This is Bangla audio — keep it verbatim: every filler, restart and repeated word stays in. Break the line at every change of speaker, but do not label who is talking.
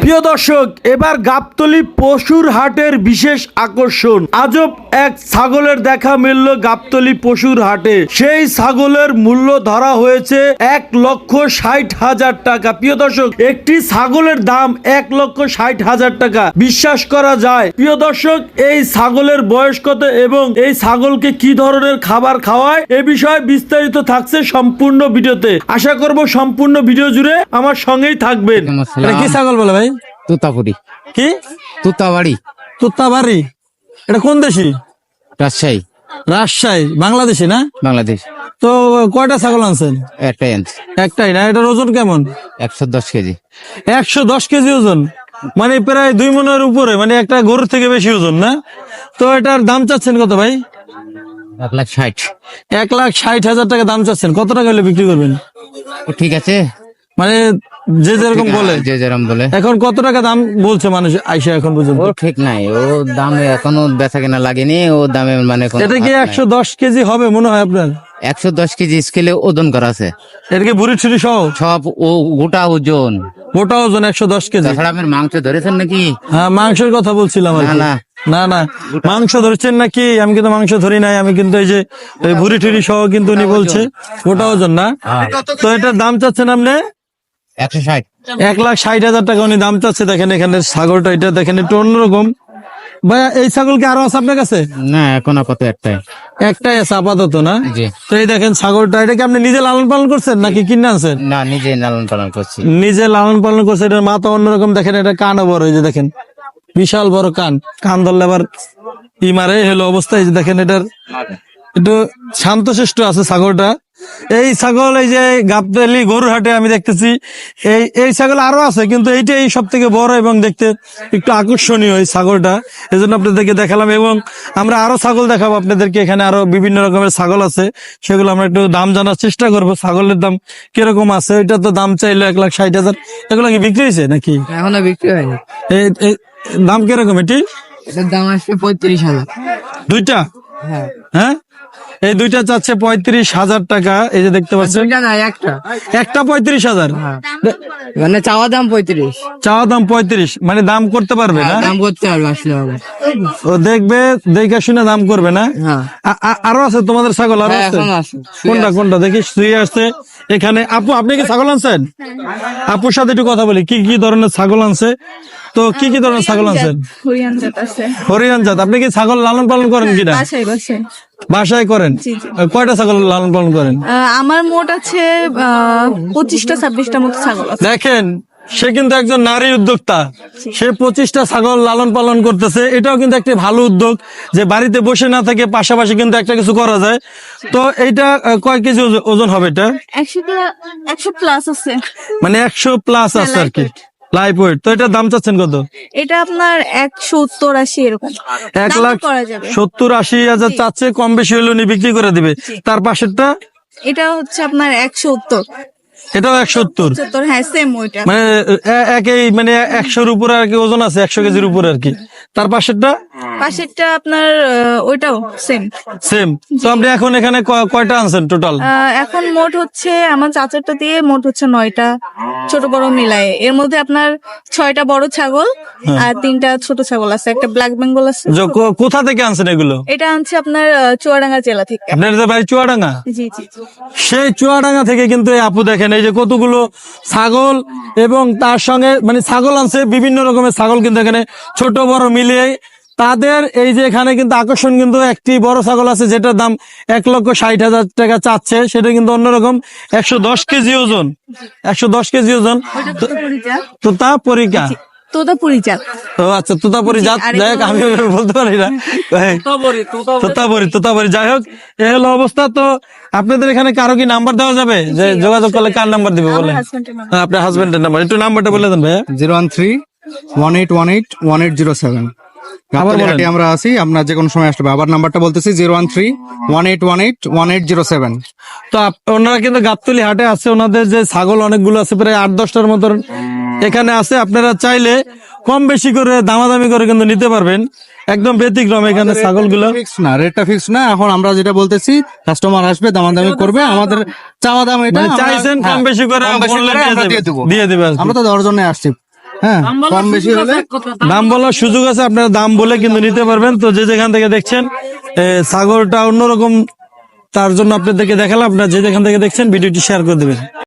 প্রিয় দর্শক, এবার গাবতলী পশুর হাটের বিশেষ আকর্ষণ। আজব এক ছাগলের দেখা মিলল গাবতলী পশুর হাটে। সেই ছাগলের মূল্য ধরা হয়েছে এক লক্ষ ষাট হাজার টাকা। প্রিয় দর্শক, একটি ছাগলের দাম এক লক্ষ ষাট হাজার টাকা, বিশ্বাস করা যায়? প্রিয় দর্শক, এই ছাগলের বয়স কত এবং এই ছাগলকে কি ধরনের খাবার খাওয়ায় এ বিষয়ে বিস্তারিত থাকছে সম্পূর্ণ ভিডিওতে। আশা করব সম্পূর্ণ ভিডিও জুড়ে আমার সঙ্গেই থাকবেন।
এটা কি ছাগল বলে ভাই?
তুতাপুরি।
কি?
তুতাবাড়ি।
তুতাবাড়ি। এটা কোন দেশি?
রাজশাহী।
রাজশাহী, বাংলাদেশি না?
বাংলাদেশ।
তো কয়টা ছাগল আনছেন?
একটাই আনছি।
একটাই না? এটার ওজন কেমন?
একশো দশ কেজি।
একশো দশ কেজি ওজন, মানে প্রায় দুই মনের উপরে, মানে একটা গরুর থেকে বেশি ওজন না? তো এটার দাম চাচ্ছেন কত ভাই?
এক লাখ ষাট।
এক লাখ ষাট হাজার টাকা দাম চাচ্ছেন। কত টাকা হলে বিক্রি করবেন?
ও ঠিক আছে,
মানে যে যেরকম বলে,
যে যেরকম বলে।
এখন কত টাকা দাম বলছে মানুষ আইসা এখন পর্যন্ত?
ও ঠিক নাই, ও দামে এখনো বেচা কেনা লাগেনি, ও দামে মানে কোনো
এটা কি
হাত নাই।
একশো দশ কেজি হবে মনে হয় আপনার?
একশো দশ কেজি স্কেলে ওজন করা আছে।
এটা কি বুড়ি ছুরি সহ
সব ও গোটা ওজন।
গোটা ওজন একশো দশ কেজি?
তাছাড়া আপনার মাংস ধরেছেন নাকি?
হ্যাঁ, মাংসের কথা বলছিলাম আর
না
কি।
না
না না, মাংস ধরছেন নাকি? আমি কিন্তু মাংস ধরি নাই, আমি কিন্তু এই যে এই ভুড়ি টুরি সহ কিন্তু উনি বলছে গোটা ওজন না। তো এটার দাম চাচ্ছেন আপনি
একশো ষাট।
এক লাখ ষাট হাজার টাকা উনি দাম চাচ্ছে। দেখেন এখানে ছাগলটা, এটা দেখেন একটু অন্যরকম। ভাইয়া, এই ছাগল কি আরো আছে আপনার কাছে?
না, এখন আপাতত একটাই।
একটাই আছে আপাতত না?
জি।
তো এই দেখেন ছাগলটা, এটা কি আপনি নিজে লালন পালন করছেন নাকি কিনে আনছেন?
না, নিজে লালন পালন করছি।
নিজে লালন পালন করছে। এটার মাথা অন্যরকম, দেখেন এটা কানও বড়, এই যে দেখেন বিশাল বড় কান। কান ধরলে আবার ই মারে হলো অবস্থা। এই যে দেখেন এটার একটু শান্তশিষ্ট আছে ছাগলটা। এই ছাগল এই যে গাবতলী গরুর হাটে আমি দেখতেছি, এই এই ছাগল আরো আছে, কিন্তু এইটাই সব থেকে বড় এবং দেখতে একটু আকর্ষণীয় এই ছাগলটা। এই জন্য আপনাদেরকে দেখালাম, এবং আমরা আরো ছাগল দেখাবো আপনাদেরকে। এখানে আরো বিভিন্ন রকমের ছাগল আছে, সেগুলো আমরা একটু দাম জানার চেষ্টা করবো। ছাগলের দাম কিরকম আছে? এটা তো দাম চাইলো এক লাখ ষাট হাজার। এগুলো কি বিক্রি হয়েছে নাকি?
এখনো বিক্রি হয়নি।
এই এই দাম কিরকম এটি?
এটার দাম আসবে পঁয়ত্রিশ হাজার।
দুইটা?
হ্যাঁ,
হ্যাঁ, এই দুইটা চাচ্ছে পঁয়ত্রিশ হাজার টাকা। এই যে দেখতে পাচ্ছেন,
দুইটা না, একটা।
একটা পঁয়ত্রিশ হাজার,
মানে চাওয়া দাম পঁয়ত্রিশ,
চাওয়া দাম পঁয়ত্রিশ, মানে দাম করতে পারবে না?
দাম করতে পারবে আসলে হবে।
ও দেখবে, দেখে শুনে দাম করবে না?
হ্যাঁ,
আ- আ- আরো আছে তোমাদের ছাগল? আরো
হ্যাঁ,
আছে?
এখনো আছে।
কোনটা কোনটা দেখি? শুয়ে আসছে এখানে। আপু, আপনি কি ছাগল আনছেন? আপুর সাথে একটু কথা বলি, কি কি ধরনের ছাগল আনছে? তো কি কি ধরনের ছাগল আনছেন?
হরিয়ান জাত আছে।
হরিয়ান জাত। আপনি কি ছাগল লালন পালন করেন কিনা?
বাসায় বাসায়
বাসায় করেন?
জি, জি।
কয়টা ছাগল লালন পালন করেন?
আহ, আমার মোট আছে আহ, পঁচিশটা ছাব্বিশটা মতো ছাগল আছে।
দেখেন, সে কিন্তু একজন নারী উদ্যোক্তা। সে পঁচিশটা ছাগল লালন পালন করতেছে। এটাও কিন্তু একটা ভালো উদ্যোগ, যে বাড়িতে বসে না থেকে পাশাপাশি কিন্তু একটা কিছু করা যায়। তো এইটা আহ, কয় কেজি ওজ- ওজন হবে এটা?
একশো একশো প্লাস আছে।
মানে একশো প্লাস আছে আর কি, লাইভ ওয়েট। তো এটার দাম চাচ্ছেন কত?
এটা আপনার একশো উত্তর আশি এরকম
এক
দামও
লাখ
করা যাবে।
সত্তর আশি হাজার চাচ্ছে, কম বেশি হলে উনি বিক্রি করে দিবে। তার পাশেরটা?
এটা হচ্ছে আপনার একশো উত্তর
এটাও একশো সত্তর।
সত্তর, হ্যাঁ সেম ওইটা।
মানে এ- একই, মানে একশোর উপরে আর কি ওজন আছে, একশো কেজির উপরে আর কি। তার পাশেরটা?
পাশেরটা আপনার আহ, ওইটাও সেম।
সেম। তো আপনি এখন এখানে ক- কয়টা আনছেন টোটাল?
এখন মোট হচ্ছে আমার চাচারটা দিয়ে মোট হচ্ছে নয়টা, ছোট বড় মিলায়ে। এর মধ্যে আপনার ছয়টা বড় ছাগল আর তিনটা ছোট ছাগল আছে, একটা ব্ল্যাক বেঙ্গল আছে।
য- কো- কোথা থেকে আনছেন এগুলো?
এটা আনছে আপনার আহ, চুয়াডাঙ্গা জেলা থেকে।
আপনার যে বাড়ি চুয়াডাঙ্গা?
জি জি জি।
সেই চুয়াডাঙ্গা থেকে কিন্তু এই আপু দেখেন এই যে কতগুলো ছাগল, এবং তার সঙ্গে মানে ছাগল আনছে বিভিন্ন রকমের ছাগল, কিন্তু এখানে ছোট বড় মিলিয়ে তাদের এই যে এখানে কিন্তু আকর্ষণ, কিন্তু একটি বড় ছাগল আছে যেটার দাম এক লক্ষ ষাট হাজার টাকা চাচ্ছে। সেটা কিন্তু অন্যরকম, একশো দশ কেজি ওজন, একশো দশ কেজি ওজন। তো তা পরীক্ষা
তোতাপুরি জাত।
তো আচ্ছা, তোতাপুরি জাত।
আর
যাই হোক, আমি ওইভাবে বলতে পারি না। তোতাপুরি, তোতাপুরি, যাই হোক, এ হলো অবস্থা। তো আপনাদের এখানে কারো কি নাম্বার দেওয়া যাবে, যে যোগাযোগ করলে কার নাম্বার দিবে বলে? হ্যাঁ, আপনার হাজবেন্ডের নাম্বার, একটু নাম্বারটা বলে দেন ভাইয়া।
Zero one three one eight one eight one eight zero seven. Gabtali আমরা আছি, আপনার যে কোনো সময় আসবে। আবার নাম্বারটা বলতেছি, zero one three one eight one eight one eight zero seven.
তো আপ- ওনারা কিন্তু গাবতলী হাটে আছে, ওনাদের যে ছাগল অনেকগুলো আছে, প্রায় আট দশটার মতন এখানে আছে। আপনারা চাইলে কম বেশি করে দামাদামি করে কিন্তু নিতে পারবেন। একদম ব্যতিক্রম এখানে ছাগলগুলো।
ফিক্স না, রেটটা ফিক্স না। এখন আমরা যেটা বলতেছি, কাস্টমার আসবে, দামাদামি করবে, আমাদের চাওয়া দাম এটা
মানে
আমরা-
চাইছেন কম
হ্যাঁ,
বেশি করে
কম বেশি
বললে
করে
দিয়ে
আমরা
দেবে।
দিয়ে দেবো।
দিয়ে দেবে আর কি।
আমরা তো দেওয়ার জন্য আসছি। হ্যাঁ কম বেশি হলে
দাম বলার সুযোগ আছে, আপনারা দাম বলে কিন্তু নিতে পারবেন। তো যে যেখান থেকে দেখছেন এ, ছাগলটা অন্যরকম, তার জন্য আপনাদেরকে দেখালাম। আপনারা যে যেখান থেকে দেখছেন ভিডিওটি শেয়ার করে দেবেন।